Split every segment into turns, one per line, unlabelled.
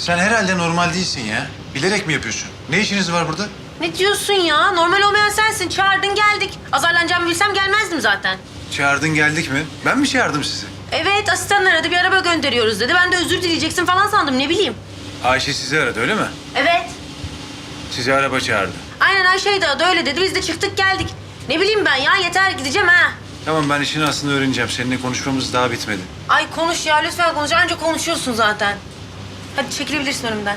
Sen herhalde normal değilsin ya. Bilerek mi yapıyorsun? Ne işiniz var burada?
Ne diyorsun ya? Normal olmayan sensin. Çağırdın geldik. Azarlanacağımı bilsem gelmezdim zaten.
Çağırdın geldik mi? Ben mi çağırdım sizi?
Evet, asistan aradı. Bir araba gönderiyoruz dedi. Ben de özür dileyeceksin falan sandım. Ne bileyim.
Ayşe sizi aradı öyle mi?
Evet.
Sizi araba çağırdı.
Aynen Ayşe'ydi adı öyle dedi. Biz de çıktık geldik. Ne bileyim ben ya. Yeter gideceğim ha.
Tamam ben işin aslında öğreneceğim. Seninle konuşmamız daha bitmedi.
Ay konuş ya lütfen konuş. Anca konuşuyorsun zaten. Hadi çekilebilirsin önümden.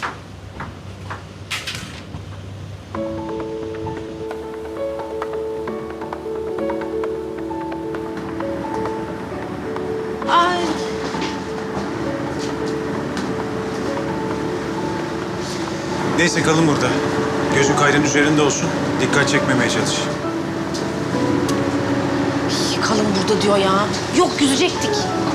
Ay.
Neyse kalın burada. Gözün kayrın üzerinde olsun. Dikkat çekmemeye çalış.
Kalın burada diyor ya. Yok yüzecektik.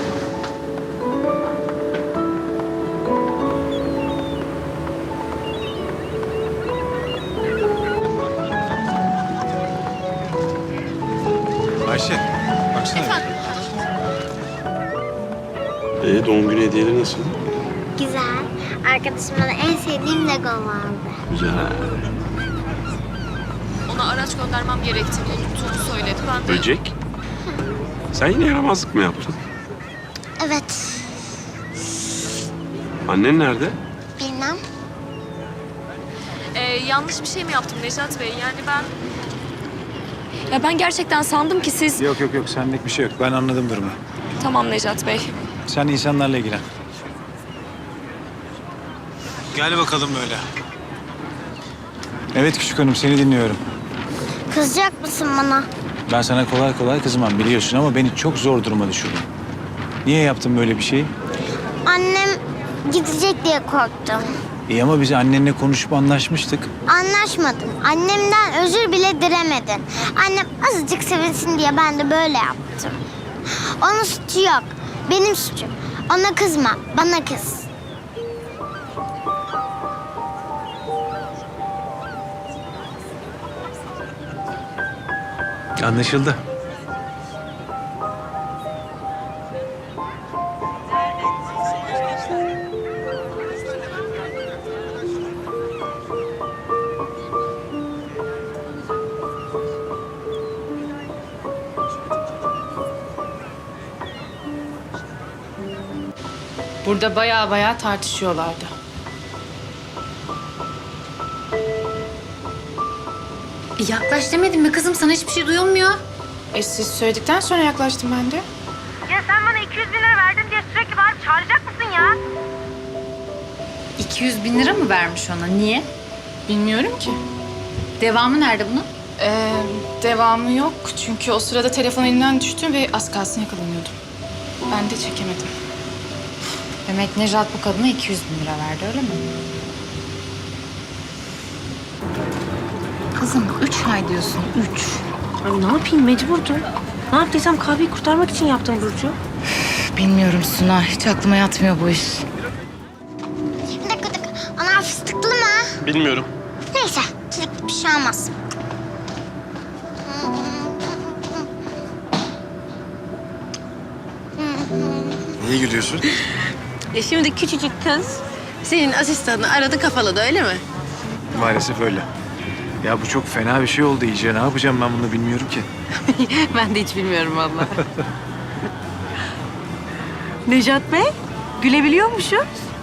Ayşe baksana.
Efendim?
Doğum günü hediyeleri nasıl?
Güzel. Arkadaşım bana en sevdiğim Lego aldı.
Güzel.
Ona araç göndermem gerektiğini unuttuğunu söyledi. Ben de...
Böcek? Sen yine yaramazlık mı yaptın?
Evet.
Annen nerede?
Bilmem.
yanlış bir şey mi yaptım Nejat Bey? Yani ben... Ya ben gerçekten sandım ki siz...
Yok senlik bir şey yok. Ben anladım durumu.
Tamam Nejat Bey.
Sen insanlarla ilgilen. Gel bakalım böyle. Evet küçük hanım seni dinliyorum.
Kızacak mısın bana?
Ben sana kolay kolay kızmam biliyorsun ama beni çok zor duruma düşürdün. Niye yaptın böyle bir şeyi?
Annem gidecek diye korktum.
İyi ama biz annenle konuşup anlaşmıştık.
Anlaşmadın. Annemden özür bile dilemedin. Annem azıcık sevinsin diye ben de böyle yaptım. Onun suçu yok. Benim suçum. Ona kızma. Bana kız.
Anlaşıldı.
Burada bayağı tartışıyorlardı.
Yaklaş demedim mi kızım? Sana hiçbir şey duyulmuyor.
Siz söyledikten sonra yaklaştım ben de.
Ya sen bana 200 bin lira verdin diye sürekli bağırıp çağıracak mısın ya?
200 bin lira mı vermiş ona? Niye?
Bilmiyorum ki.
Devamı nerede bunun?
Devamı yok çünkü o sırada telefon elimden düştü ve az kalsın yakalanıyordum. Ben de çekemedim.
Demek Nejat bu kadına 200 bin lira verdi öyle mi? Kızım 3 ay diyorsun 3.
Ay ne yapayım mecburdum. Ne yaptıysam kahveyi kurtarmak için yaptım Burcu.
Bilmiyorum Suna. Hiç aklıma yatmıyor bu iş.
Bir dakika. Ana fıstıklı mı?
Bilmiyorum.
Neyse. Çilekli bir şey olmaz.
Niye gülüyorsun?
Şimdi küçücük kız senin asistanını aradı kafaladı öyle mi?
Maalesef öyle. Ya bu çok fena bir şey oldu iyice. Ne yapacağım ben bunu bilmiyorum ki.
Ben de hiç bilmiyorum vallahi. Nejat Bey, gülebiliyormuşuz.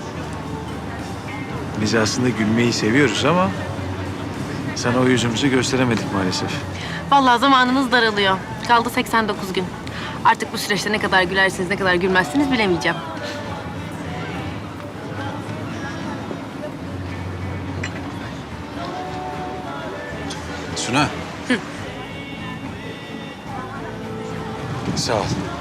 Biz aslında gülmeyi seviyoruz ama sana o yüzümüzü gösteremedik maalesef.
Vallahi zamanımız daralıyor. Kaldı 89 gün. Artık bu süreçte ne kadar gülersiniz, ne kadar gülmezsiniz bilemeyeceğim.
Suna. Sağ ol.